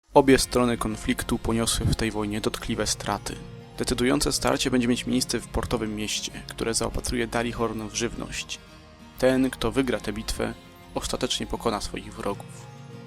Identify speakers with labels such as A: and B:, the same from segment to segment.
A: Obie strony konfliktu poniosły w tej wojnie dotkliwe straty. Decydujące starcie będzie mieć miejsce w portowym mieście, które zaopatruje Dalihorn w żywność. Ten, kto wygra tę bitwę, ostatecznie pokona swoich wrogów.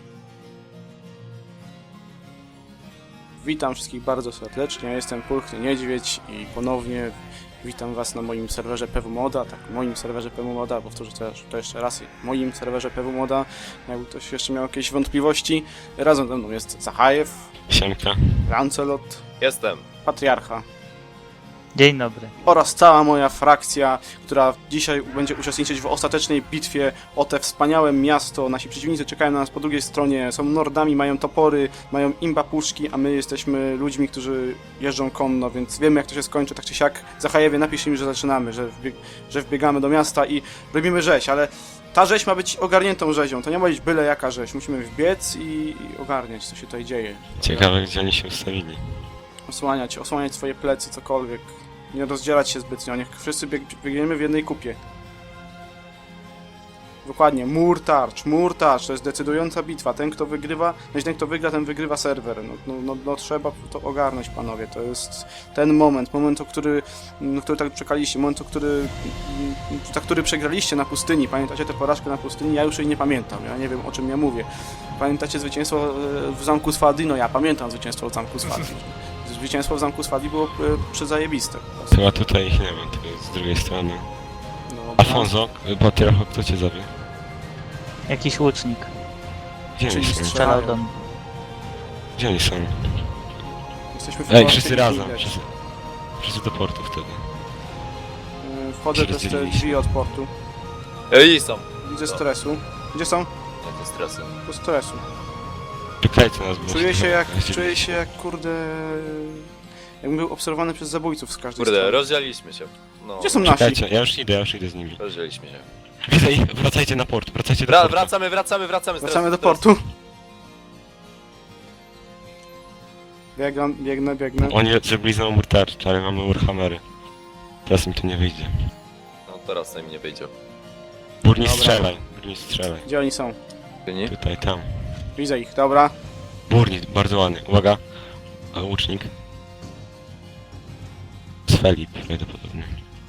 A: Witam wszystkich bardzo serdecznie, ja jestem Pulchny Niedźwiedź i ponownie witam was na moim serwerze PWModa, tak, moim serwerze PWModa, powtórzę to jeszcze raz, moim serwerze PWModa, jakby ktoś jeszcze miał jakieś wątpliwości. Razem ze mną jest Zachajew,
B: Siemka.
A: Lancelot,
C: Jestem.
A: Patriarcha
D: Dzień dobry.
A: oraz cała moja frakcja, która dzisiaj będzie uczestniczyć w ostatecznej bitwie o te wspaniałe miasto. Nasi przeciwnicy czekają na nas po drugiej stronie, są nordami, mają topory, mają imba puszki, a my jesteśmy ludźmi, którzy jeżdżą konno, więc wiemy jak to się skończy, tak czy siak. Zachajewie, napisz im, że zaczynamy, że wbiegamy do miasta i robimy rzeź, ale ta rzeź ma być ogarniętą rzezią, to nie ma być byle jaka rzeź, musimy wbiec i ogarniać, co się tutaj dzieje.
B: Ciekawe, gdzie oni się ustawili.
A: Osłaniać swoje plecy, cokolwiek. Nie rozdzielać się zbytnio, niech wszyscy biegniemy w jednej kupie. Dokładnie, mur tarcz, to jest decydująca bitwa. Ten kto wygrywa, ten kto wygra, ten wygrywa serwer. No trzeba to ogarnąć, panowie. To jest ten moment, o który tak czekaliście, za który przegraliście na pustyni. Pamiętacie tę porażkę na pustyni? Ja już jej nie pamiętam, ja nie wiem o czym ja mówię. Pamiętacie zwycięstwo w zamku Swadi? No ja pamiętam zwycięstwo w zamku Swadi. Zwycięstwo w zamku Swadi było przezajebiste.
B: Chyba tutaj ich nie ma, to jest z drugiej strony.
A: No,
B: Alfonso, Patriarcho, kto cię zabił?
D: Jakiś łucznik
B: Gdzie oni
A: Czyli
B: są?
A: strzel-
D: strzelał do mnie.
B: Gdzie oni są?
A: Jesteśmy w
B: Ej,
A: porcie,
B: wszyscy
A: nie
B: razem.
A: widać.
B: Wszyscy do portu wtedy.
A: Wchodzę przez te drzwi od portu.
C: Ej, są.
A: Widzę stresu. Gdzie są?
C: Nie, to stresy.
A: Po stresu.
B: Czekajcie nas, bo...
A: Czuję się jak kurde... Jakbym był obserwowany przez zabójców z każdej
C: Kurde,
A: strony.
C: rozdzieliliśmy się. No,
A: Gdzie są nasi?
B: Czekajcie, ja już idę z nimi.
C: rozdzieliliśmy się.
B: Widzę ich, wracajcie na port, wracajcie do portu.
C: Wracamy.
A: Wracamy do portu. Biegnę.
B: Oni zrobili znowu mur tarcz, ale mamy Warhammery. Teraz mi to nie wyjdzie.
C: No, teraz nam nie wyjdzie.
B: Burni
A: Dobra.
B: strzelaj.
A: Gdzie oni są?
C: Nie?
B: Tutaj, tam.
A: Widzę ich, dobra.
B: Burni, bardzo ładny. Uwaga. A, łucznik. Z Felip, prawdopodobnie.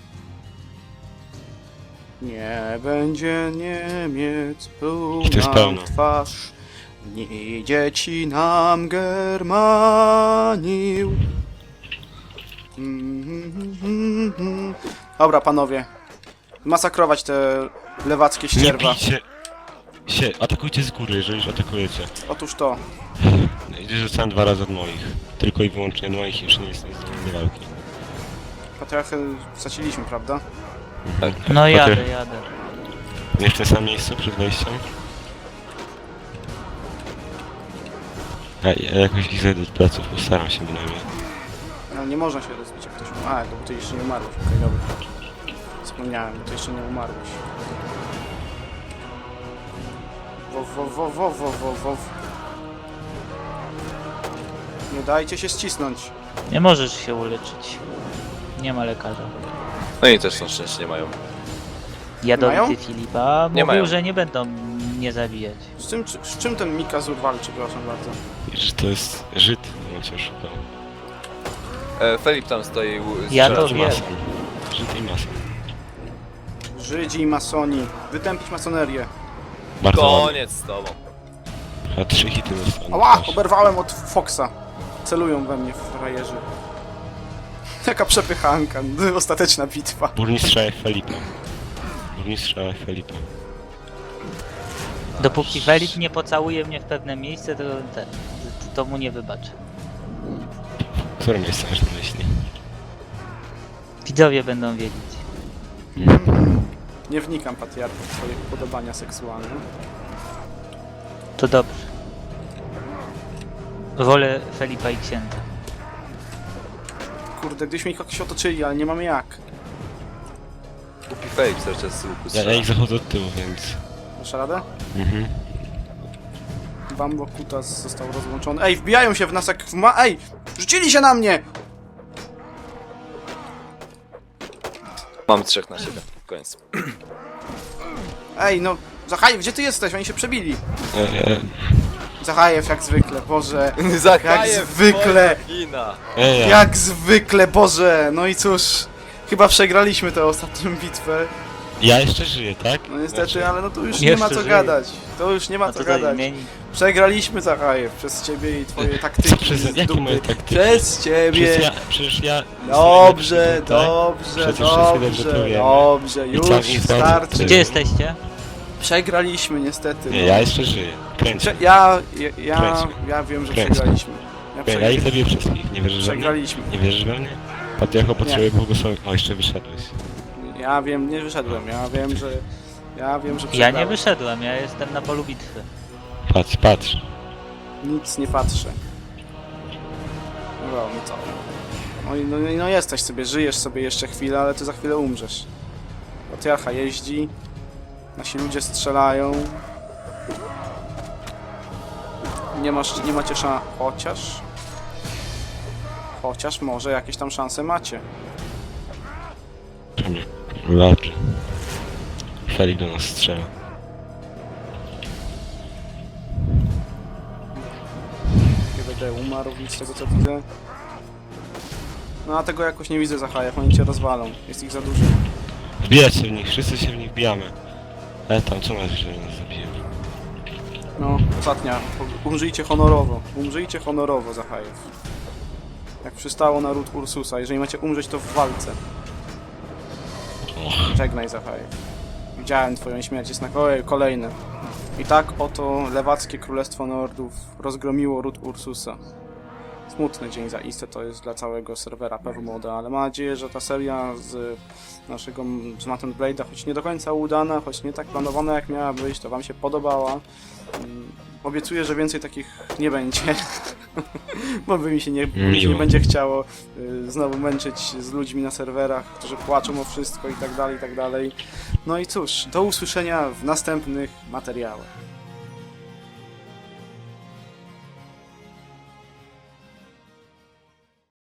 A: Nie będzie Niemiec
B: I to jest
A: pełna
B: pełno.
A: twarz, nie dzieci nam Germanił. Dobra, panowie. Masakrować te lewackie
B: Nie
A: ścierwa.
B: bijcie się, atakujcie z góry, jeżeli już atakujecie.
A: Otóż to.
B: Idzie, rzucałem 2 razy od moich. Tylko i wyłącznie od moich, jeszcze nie jestem zdolny do walki.
A: Patriarchę straciliśmy, prawda?
D: No jadę.
B: Nie w tym samym miejscu przed wejściem? Ja jakoś ich zejdę od pleców, postaram się bynajmniej.
A: No nie można się rozbić, jak ktoś umarł. A, to bo ty jeszcze nie umarłeś. Okej, dobra. Zapomniałem, bo ty jeszcze nie umarłeś. Wow. Nie dajcie się ścisnąć.
D: Nie możesz się uleczyć. Nie ma lekarza.
C: No i też na szczęście nie mają.
D: Jadowity Filipa
C: Nie
D: mówił,
C: mają.
D: że nie będą mnie zabijać.
A: Z czym ten Mikazur walczy, proszę bardzo?
B: Wiesz, to jest Żyd, on cię oszukał.
C: Felip tam stoi.
D: Ja
C: strzela.
D: to
B: Żyd i
D: wiem.
B: mason. Żyd i mason.
A: Żydzi i masoni. Wytępić masonerię.
B: Bardzo ładnie.
C: Koniec z tobą.
B: A 3 hity dostałem.
A: Ała! Oberwałem od Foxa. Celują we mnie frajerzy. Jaka przepychanka. Ostateczna bitwa.
B: Burmistrza Felipa.
D: Dopóki Felip nie pocałuje mnie w pewne miejsce, to mu nie wybaczę.
B: Które miejsce masz na myśli?
D: Widzowie będą wiedzieć.
A: Nie wnikam, patriarcho, w twoje upodobania seksualne.
D: To dobrze. Wolę Felipa i księdza.
A: Kurde, gdyśmy ich jakoś otoczyli, ale nie mamy jak.
C: Kupi Felip cały czas z łuku
B: Ja
C: strzela.
B: ich zachodzę od tyłu, więc...
A: Dasz radę?
B: Mhm.
A: Bambo Kutas został rozłączony. Ej, wbijają się w nas jak w Ej! Rzucili się na mnie!
C: Mamy 3 na siebie. Koniec.
A: Ej, no... Zachaj, gdzie ty jesteś? Oni się przebili. Zachajew jak zwykle, Boże.
C: Zachajew,
A: Jak zwykle.
C: twoja wina.
B: Ja.
A: Jak zwykle, Boże. No i cóż, chyba przegraliśmy tę ostatnią bitwę.
B: Ja jeszcze żyję, tak?
A: No niestety,
B: Znaczy,
A: ale no tu już
D: Jeszcze
A: nie ma co
D: żyje.
A: gadać. To już nie ma
D: No
A: co
D: to
A: gadać.
D: zmieni.
A: Przegraliśmy, Zachajew, przez ciebie i twoje taktyki
B: Przez,
A: z
B: jakie moje
A: dupy.
B: taktyki?
A: Przez ciebie.
B: Przecież ja...
A: Dobrze,
B: jestem najlepszy,
A: dobrze,
B: Przecież wszyscy dobrze
A: dobrze,
B: to wiemy.
A: dobrze,
B: I
A: już
B: tak, i tak.
A: starczy.
D: Gdzie jesteście?
A: Przegraliśmy niestety.
B: Nie,
A: no.
B: ja jeszcze żyję. Kręcę.
A: Ja wiem, że
B: Kręć.
A: przegraliśmy.
B: Ja ich zabiję wszystkich, nie wierzysz we mnie?
A: Przegraliśmy.
B: Nie wierzysz we mnie? Patriarcho potrzebuje błogosławienia. O, jeszcze wyszedłeś.
A: Ja wiem, nie wyszedłem. Ja wiem, że
D: Ja nie
A: przegrałem.
D: wyszedłem, ja jestem na polu bitwy.
B: Patrz, patrz.
A: Nic nie patrzę. No, no co? No jesteś sobie, żyjesz sobie jeszcze chwilę, ale ty za chwilę umrzesz. Patriarcha jeździ, nasi ludzie strzelają. Nie macie chociaż może jakieś tam szanse macie.
B: Dobrze. Felik do nas strzela.
A: Nie będę umarł nic z tego co widzę. No a tego jakoś nie widzę, Zachajew, oni cię rozwalą. Jest ich za dużo.
B: Wbijać się w nich, wszyscy się w nich bijamy. Tam, co masz, że nas zabiją?
A: No, ostatnia. Umrzyjcie honorowo, Zachajew. Jak przystało na ród Ursusa. Jeżeli macie umrzeć, to w walce.
B: Och,
A: Żegnaj, Zachajew. Widziałem twoją śmierć, jest na kolejne. I tak oto lewackie królestwo Nordów rozgromiło ród Ursusa. Smutny dzień zaiste to jest dla całego serwera PWModa, ale mam nadzieję, że ta seria z naszego z Mount & Blade'a, choć nie do końca udana, choć nie tak planowana jak miała być, to wam się podobała. Obiecuję, że więcej takich nie będzie, bo mi się nie
B: Miło.
A: będzie chciało znowu męczyć z ludźmi na serwerach, którzy płaczą o wszystko i tak dalej, i tak dalej. No i cóż, do usłyszenia w następnych materiałach.